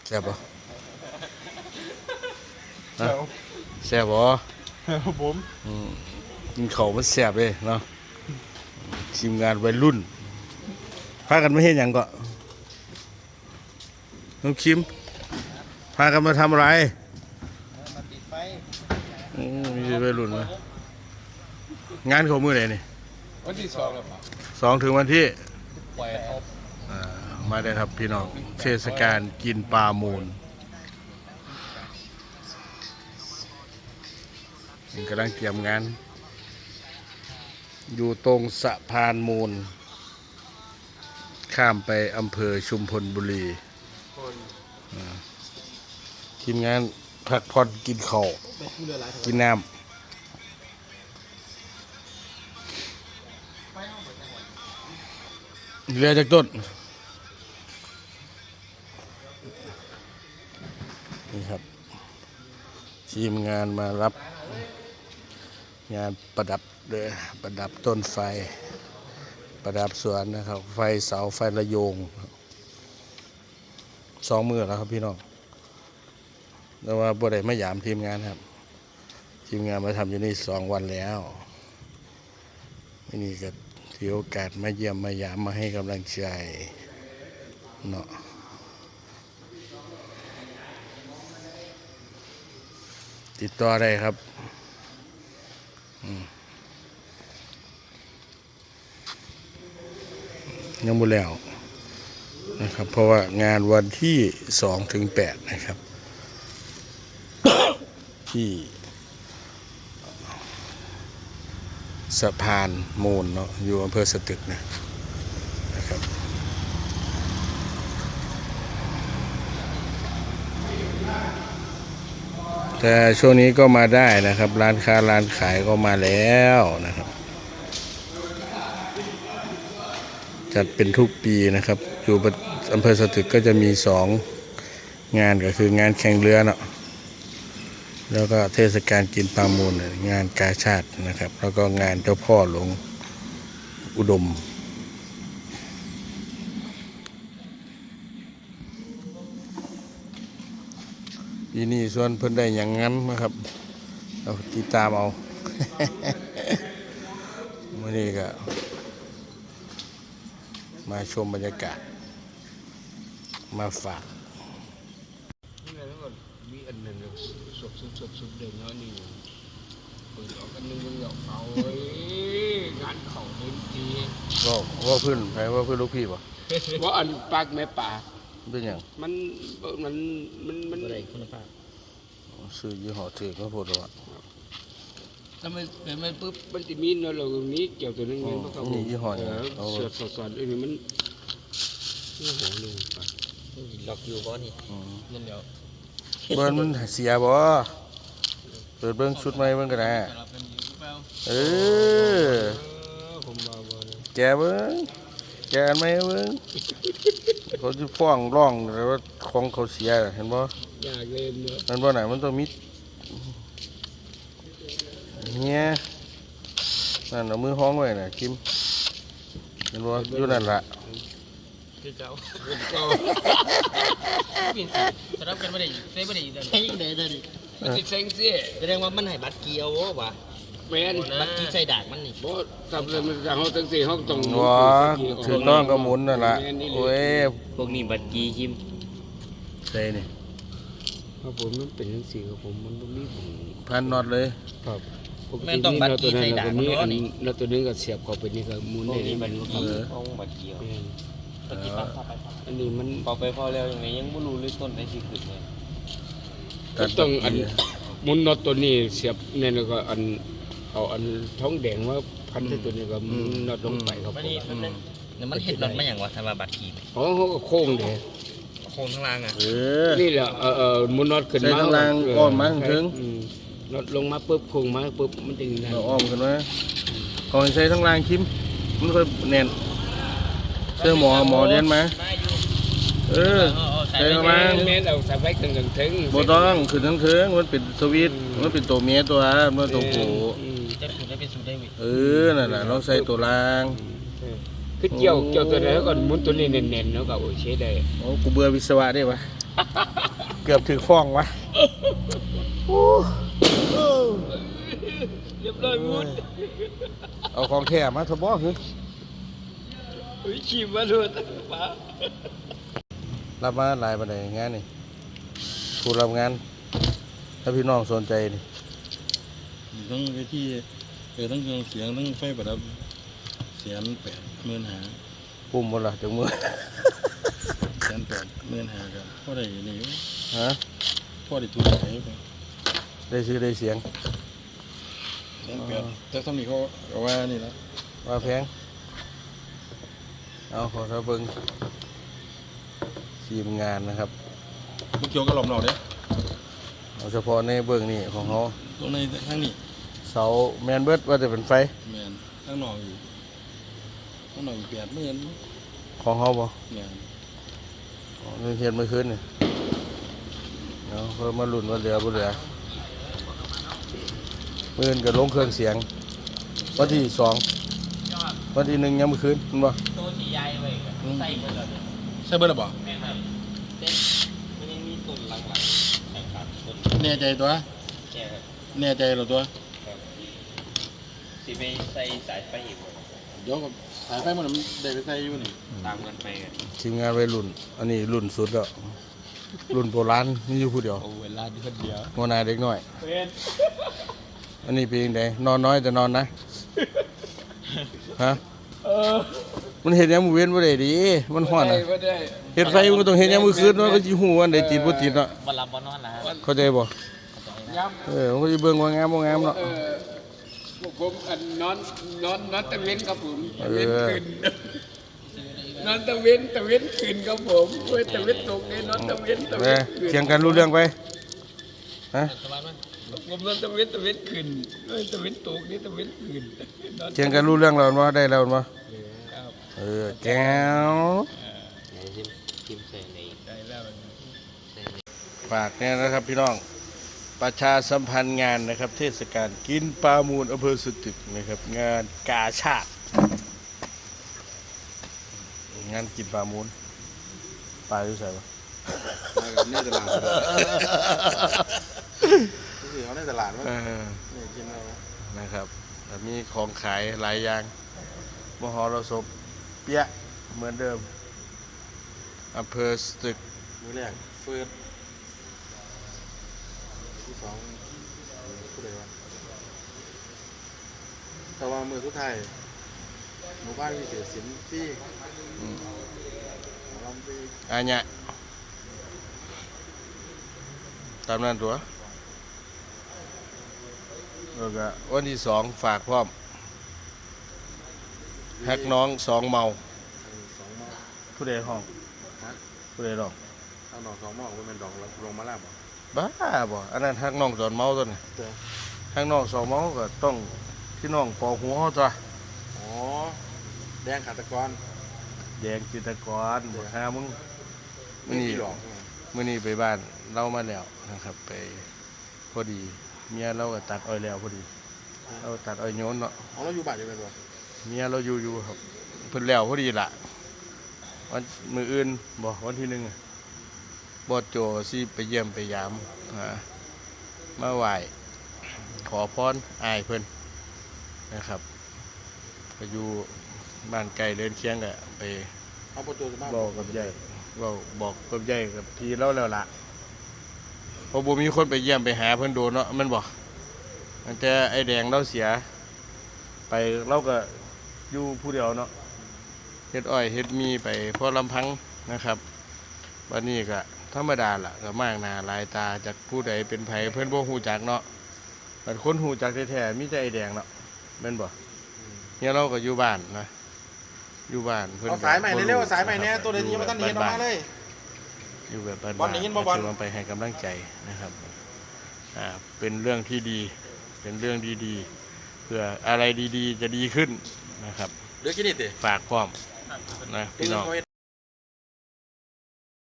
แซ่บบ่แซ่บแซ่บบ่ครับผมกินข้าวมันแซ่บเลยเนาะทีมงานวัยรุ่นพากันมาเฮ็ดหยังก็น้องคิมพากันมาทำอะไรมาติดไฟมีวัยรุ่นมางานเขามื้อไหนนี่วันที่2แล้วป่ะ 2ถึงวันที่ปล่อยเอามาได้ครับพี่น้องเทศกาลกินปลามูลกำลังเตรียมงานอยู่ตรงสะพานมูลข้ามไปอำเภอชุมพลบุรีทีมงานพักผ่อนกินข้าวกินน้ำเรือจากต้นนี่ครับทีมงานมารับงานประดับเลยประดับต้นไฟประดับสวนนะครับไฟเสาไฟระโยง2 มื้อแล้วครับพี่น้องแต่ว่าบ่ได้มาหยามทีมงานครับทีมงานมาทำอยู่นี่2 วันแล้วนี่ก็ถือโอกาสมาเยี่ยมมาหยามมาให้กำลังใจเนาะติดต่อได้ครับยังบ่แล้วนะครับเพราะว่างานวันที่2 ถึง 8นะครับ ที่สะพานมูลเนาะอยู่อำเภอสตึกนะครับแต่ช่วงนี้ก็มาได้นะครับร้านค้าร้านขายก็มาแล้วนะครับจัดเป็นทุกปีนะครับอยู่อำเภอสตึกก็จะมี2 งานก็คืองานแข่งเรือเนาะแล้วก็เทศกาลกินปลามูลงานกาชาตินะครับแล้วก็งานเจ้าพ่อหลวงอุดมปีนี้ส่วนเพิ่นได้อย่างงั้นนะครับเราติดตามเอา วันนี้ก็มาชมบรรยากาศมาฝากมีอันนึงสุดเด่นเนาะนี่เปิดออกอันนึงมันเหงาเขางานเขาเล่นทีว่าเพื่อนใครว่าเพื่อนลูกพี่ป่ะว่าอันปากแม่ป่าเป็นอย่างมันอะไรคุณภาพซื้อยี่ห้อเถื่อนก็พูดว่าถ้าไม่ปุ๊บมันจะมีเนาะเรามีเกี่ยวตัวนึงมันก็นี่ยี่ห้อเสือสอนอันนี้มันโอ้โหนึงล็อกอยู่บ่นี่นั่นเดียวเบิ้ลมันเสียบ่เปิดเบิ้งชุดใหม่เบิ้งกันนะแกเบิ้งแกอันไหมเบิ้งเขาจะฟ้องร้องแต่ว่าของเขาเสียเห็นบ่อยากเล่นเนาะมันบ่ไหนมันต้องมีเนี่ยนั่นเอามือห้องไว้น่ะคิมเห็นบ่อยู่นั่นล่ะคือเก่าสำหรับกันไม่ได้เซ่ไม่ได้ใช่ยังไงเด้อดิมันติดเซ็งสิแสดงว่ามันให้บัตรเกียววะแม่นบัตรกีใส่ดากมันนี่บ่ทำเลยมันจะห้องตั้ง4 ห้องตรงว้าถือต้องก็หมุนนั่นล่ะโอ้ยพวกนี้บัตรกีคิมใส่นี่ครับผมมันเป็นจังซี่ครับผมมันบ่มีพันน็อตเลยครับแม่นต้องบัตรกีใส่ดากมันนี่แล้วตัวนึงก็เสียบเข้าไปนี่ก็หมุนได้นี่มันห้องบัตรเกียวอันนี้มันพอไปพอแล้วยังไงยังไม่รู้เลยต้นไหนที่ขึ้นเลยต้องอันมุนน็อตตัวนี้เสียบเนี่ยแล้วก็อันเอาอันท้องแดงว่าพันที่ตัวนี้ก็มุนน็อตลงไปครับนี่มันเห็ดน็อตมาอย่างวะทำมาบัตรกีอ๋อเขาก็โค้งเด้โค้งข้างล่างอ่ะนี่แหละมุนน็อตขึ้นมาข้างล่างอ้อมมาถึงน็อตลงมาปุ๊บโค้งมาปุ๊บมันจึงเราอ้อมขึ้นมาก่อนใช้ทั้งล่างคิมมันค่อยแน่นเสื้อหมอเรียนมาใส่มาเมตรเอาใส่ไว้ถึงบ่ต้องขึ้นทั้งมันเป็นสวิตมันเป็นตัวเมียตัวมันตัวผู้จะสูดได้เป็นสูดได้นั่นแหละเราใส่ตัวล่างแคือเกี่ยวตัวไหนแล้วก่อนหมุนตัวนี้เน้นๆแล้วก็โอเคได้โอ้กูเบื่อวิศวะได้ปะ เกือบถึงฟ้องวะโอ้เรียบร้อยหมุนเอาของแท้มาทบอคือเฮ้ยขี่มาด้วยป้ารับมาหลายประเด็นงานนี่ผู้รับงาน ถ้าพี่น้องสนใจนี่ต้องไปที่ต้องเครื่องเสียงต้องไฟประดับ180,000หาปุ่มหมดละจังมือ 180,000หากันพอได้นี่อยู่ฮะพอได้ทุนใช้ไปได้ซื้อได้เสียง 180แต่สมัยเขาเอาว่านี่ละว่าแพงเอาขอเท่าเบิ้งทีมงานนะครับลูกเกี่ยวกับหลอมหนอกเด้เอาเฉพาะในเบิ้งนี่ของเขาตรงในข้างนี้เสาแมนเบิร์ดว่าจะเป็นไฟแมนข้างนอกอยู่ข้างนอกอยู่80,000 ของเขาบ่แมนอ๋อนี่เทียนเมื่อคืนนี่เอาเพิ่มมาลุ่นว่าเหลือบ่เหลือมื่นกับลงเครื่องเสียงวันที่2วันที่1ยังเมื่อคืนเห็นบ่ตัวสีใหญ่เว้ยใส่เบอร์เลยใช่เบอร์ละบ่แม่ครับเต้นมันยังมีตุ่นหลังๆแข่งขันตุ่นแน่ใจตัวแก่ครับแน่ใจเหรอตัวสีไปใส่สายไฟอีกบ่เดี๋ยวกับสายไฟมันได้ไปใส่อยู่นี่ตามกันไปกันทีมงานวัยรุ่น อันนี้รุ่นสุดแล้วรุ่นโบราณนี่อยู่ผู้เดียวโอ้เวลาที่คนเดียวหัวหน้าเด็กน้อยเป็นอันนี้เป็นยังไงนอนน้อยแต่นอนนะฮะมันเห็นยังมือเว้นบ่ได้ดิมันฮ้อนอ่ะไม่ได้เฮ็ดไฟมันก็ต้องเฮ็ดยังมือคืนเนาะก็สิฮู้ว่าอันใดติดบ่ติดเนาะวันรับวันนอนนะฮะเข้าใจบ่ย้ำมันก็สิเบิ่งว่างามบ่งามเนาะพวกผมอันนอนตะเวนครับผมตะเวนขึ้นนอนตะเวนขึ้นครับผมเว้ยตะเวนตกเนี่ยนอนตะเวนขึ้นเถียงกันรู้เรื่องไปฮะสบายมั้ยผมนอนตะเวนขึ้นเว้ยตะเวนตกนี่ตะเวนขึ้นนอนเถียงกันรู้เรื่องแล้วบ่ได้แล้วบ่ครับแก้วไหนทิมใส่ในได้แล้วฝากเนี่ยนะครับพี่น้องประชาสัมพันธ์งานนะครับ เทศกาลกินปลามูลอำเภอสตึกนะครับ งานกาชาติ งานกินปลามูลปลาอยู่ใส่ปะในตลาดคือเขาในตลาดมั้งนี่กินอะไรวะนะครับแต่มีของขายหลายอย่างมหรสพเปี๊ยะเหมือนเดิมอำเภอสตึกมือแรกเฟิร์สที่สองผู้ใดวะแต่ว่ามือทุกไทายหมู่บ้านมีเสียสินที่ลำปีอาญะตามนั้นตัวแล้วก็วันที่2ฝากพร้อมฮักน้อง2เมา 2 หม้อผู้ใดห้องฮะผู้ใดร้องเอาหน่อ2 หม้อว่าเป็นดอกลงมาแล้วบ่บ้าบ่อันนั้นฮักน้องตอนเมาตัวนี้เด้อฮักน้อง2เมาก็ต้องพี่น้องปอหัวเขาตัวอ๋อแดงขาตะกอนแดงจิตรกรบ่หามึงไม่มีหรอกมื้อนี้ไปบ้านเรามาแล้วนะครับ ไปพอดีเมียเราก็ตัดอ้อยแล้วพอดีเราตัดอ้อยโยนเนาะอ๋อเราอยู่บ้านอยู่เป็นบ่เมียเราอยู่ครับเพิ่นแล้วพอดีล่ะวันมื้ออื่นบ่วันที่1อะบอสโจสิไปเยี่ยมไปยามมาไหว้ขอพรอ้ายเพิ่นนะครับก็อยู่บ้านไกลเดินเคียงก็ไปเอาประตูบ้านบอกกับยายบอกกับยายกับพี่เราแล้วล่ะเพราะบ่มีคนไปเยี่ยมไปหาเพิ่นโดนเนาะแมันบ่มันแต่ไอ้แดงเราเสีย ไปเราก็อยู่ผู้เดียวเนาะเฮ็ดอ้อยเฮ็ดมีไปพอลำพังนะครับวันนี้ก็ธรรมดาล่ะก็มากหน้าหลายตาจากผู้ใดเป็นไผเพิ่นบ่ฮู้จักเนาะบัดคนฮู้จักแท้ๆมีแต่ไอ้แดงเนาะแม่นบ่เนี่ยเราก็อยู่บ้านนะอยู่บ้านเพิ่นเอาสายใหม่เร็วๆสายใหม่เนี่ยตัวเดียวนี้มาตั้งนี้ออกมาเลยอยู่แบบบ้านบอลได้ยินบ่บอลถืว่าไปให้กำลังใจนะครับเป็นเรื่องที่ดีเป็นเรื่องดีๆเพื่ออะไรดีๆจะดีขึ้นนะครับเดี๋ยวกินนี่ติฝากพร้อมนะพี่พี่น้น้ออง งเขาเฮ็ด